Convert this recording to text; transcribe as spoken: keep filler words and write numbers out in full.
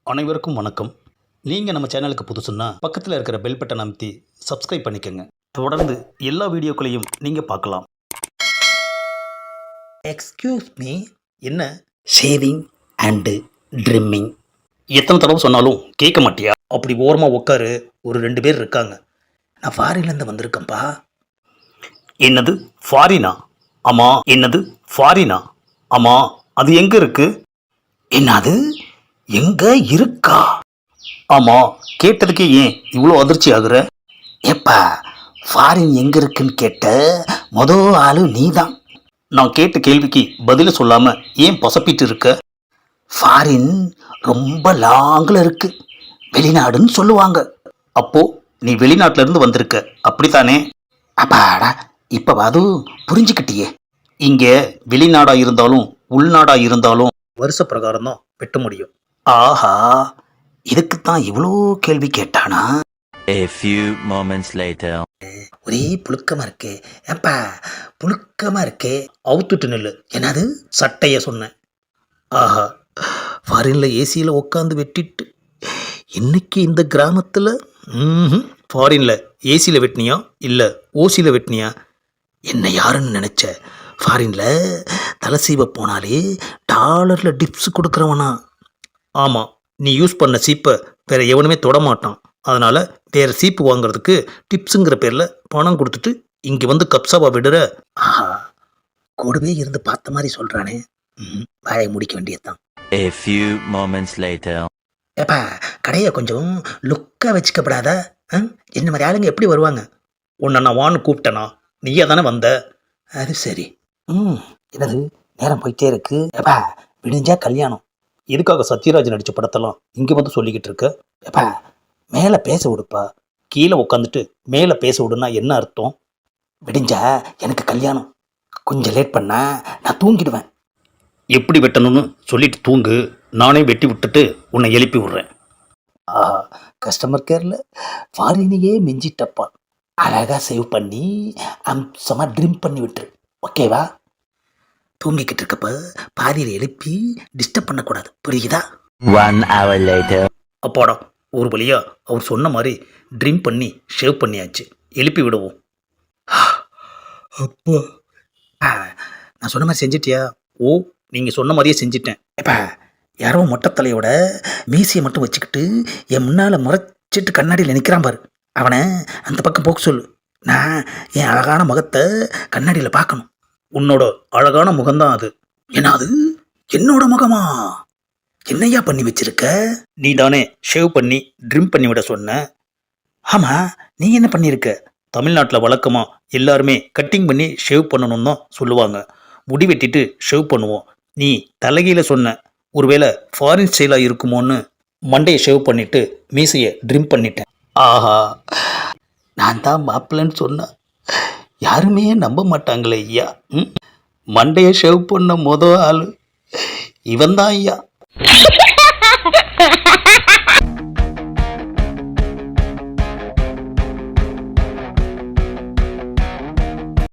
அனைவருக்கும் வணக்கம். நீங்கள் நம்ம சேனலுக்கு புதுசுன்னா பக்கத்தில் இருக்கிற பெல் பட்டன் அமைத்தி சப்ஸ்கிரைப் பண்ணிக்கோங்க. தொடர்ந்து எல்லா வீடியோக்களையும் நீங்கள் பார்க்கலாம். Excuse me. என்ன? Shaving and trimming. எத்தனை தடவை சொன்னாலும் கேட்க மாட்டியா? அப்படி ஓரமாக உட்காரு. ஒரு ரெண்டு பேர் இருக்காங்க. நான் ஃபாரின்லேருந்து வந்திருக்கேன்ப்பா. என்னது ஃபாரினா? ஆமாம். என்னது ஃபாரினா? ஆமாம். அது எங்கே இருக்கு? என்னது எங்க இருக்கா? ஆமாம். கேட்டதுக்கே ஏன் இவ்வளோ அதிர்ச்சி ஆகுற? எப்பா, ஃபாரின் எங்கே இருக்குன்னு கேட்ட மொதல் ஆளு நீ தான். நான் கேட்ட கேள்விக்கு பதில சொல்லாமல் ஏன் பசப்பிட்டு இருக்க? ஃபாரின் ரொம்ப லாங்கில் இருக்கு, வெளிநாடுன்னு சொல்லுவாங்க. அப்போ நீ வெளிநாட்டிலேருந்து வந்திருக்க, அப்படித்தானே? அப்பாடா, இப்போ அதுவும் புரிஞ்சுக்கிட்டியே. இங்கே வெளிநாடாக இருந்தாலும் உள்நாடாக இருந்தாலும் வருஷ பிரகாரம் தான் வெட்ட முடியும். ஆஹா, இதுக்குத்தான் இவ்வளோ கேள்வி கேட்டானா? A few moments later. ஒரே புழுக்கமா இருக்கே. ஏப்பா, புழுக்கமா இருக்கே. அவுத்துட்டு நில்லு. என்னது சட்டைய சொன்னேன். ஆஹா, ஃபாரினில் ஏசியில் உட்காந்து வெட்டிட்டு இன்னைக்கு இந்த கிராமத்தில் ம் ஃபாரினில் ஏசியில் வெட்டினியா இல்லை ஓசியில் வெட்டினியா? என்ன யாருன்னு நினச்ச? ஃபாரினில் தலை சீவ போனாலே டாலரில் டிப்ஸ் கொடுக்குறவனா? ஆமாம், நீ யூஸ் பண்ண சீப்பை வேறு எவனுமே தொடமாட்டான். அதனால் வேறு சீப்பு வாங்குறதுக்கு டிப்ஸுங்கிற பேரில் பணம் கொடுத்துட்டு இங்கே வந்து கப்சாவா விடுற. ஆஹா, கூடவே இருந்து பார்த்த மாதிரி சொல்கிறானே. ம் வாயை முடிக்க வேண்டியதுதான். A few moments later. ஏப்பா, கடையை கொஞ்சம் லுக்காக வச்சுக்கப்படாதா? என்ன மாதிரி ஆளுங்க எப்படி வருவாங்க? உன்னை நான் வான்னு கூப்பிட்டேனா? நீயே தானே வந்த. அது சரி. ம் என்னது நேரம் போயிட்டே இருக்கு. ஏப்பா, விடிஞ்சா கல்யாணம். எதுக்காக சத்யராஜ் நடித்த படத்தெல்லாம் இங்கே வந்து சொல்லிக்கிட்டு இருக்க? ஏப்பா, மேலே பேச விடுப்பா. கீழே உட்காந்துட்டு மேலே பேச விடுன்னா என்ன அர்த்தம்? விடிஞ்சா எனக்கு கல்யாணம். கொஞ்சம் லேட் பண்ணா நான் தூங்கிடுவேன். எப்படி வெட்டணும்னு சொல்லிட்டு தூங்கு. நானே வெட்டி விட்டுட்டு உன்னை எழுப்பி விட்றேன். ஆஹா, கஸ்டமர் கேரில் ஃபாரினையே மிஞ்சிட்டப்பா. அழகாக சேவ் பண்ணி அம்சமாக ட்ரிம் பண்ணி விட்டுரு. ஓகேவா? தூங்கிக்கிட்டு இருக்கப்ப பாதியில் எழுப்பி டிஸ்டர்ப் பண்ணக்கூடாது, புரியுதா? One hour later. அப்பாடா, ஒரு வழியா அவர் சொன்ன மாதிரி ட்ரிம் பண்ணி ஷேவ் பண்ணியாச்சு. எழுப்பி விடுவோம். அப்பா, நான் சொன்ன மாதிரி செஞ்சிட்டியா? ஓ, நீங்கள் சொன்ன மாதிரியே செஞ்சிட்டேன். எப்பா, யாரோ மொட்டைத்தலையோட மீசியை மட்டும் வச்சுக்கிட்டு என் முன்னால் முறைச்சிட்டு கண்ணாடியில் நிற்கிறான் பாரு. அவனை அந்த பக்கம் போக்க சொல்லு. நான் என் அழகான முகத்தை கண்ணாடியில் பார்க்கணும். உன்னோட அழகான முகம்தான் அது. ஏன்னா அது என்னோட முகமா? என்னையா பண்ணி வச்சிருக்க? நீ தானே ஷேவ் பண்ணி ட்ரிம் பண்ணி விட சொன்ன. ஆமாம், நீ என்ன பண்ணியிருக்க? தமிழ்நாட்டில் வழக்கமாக எல்லாருமே கட்டிங் பண்ணி ஷேவ் பண்ணணும்னு தான் சொல்லுவாங்க. முடி வெட்டிட்டு ஷேவ் பண்ணுவோம். நீ தலைகீழ சொன்ன. ஒருவேளை ஃபாரின் ஸ்டைலாக இருக்குமோன்னு மண்டையை ஷேவ் பண்ணிவிட்டு மீசையை ட்ரிம் பண்ணிட்டேன். ஆஹா, நான் தான் மாப்பிள்ளைன்னு சொன்னேன். யாருமே நம்ப மாட்டாங்களே ஐயா. ம் மண்டையை ஷேவ் பண்ண மொதல் ஆள் இவன் தான் ஐயா.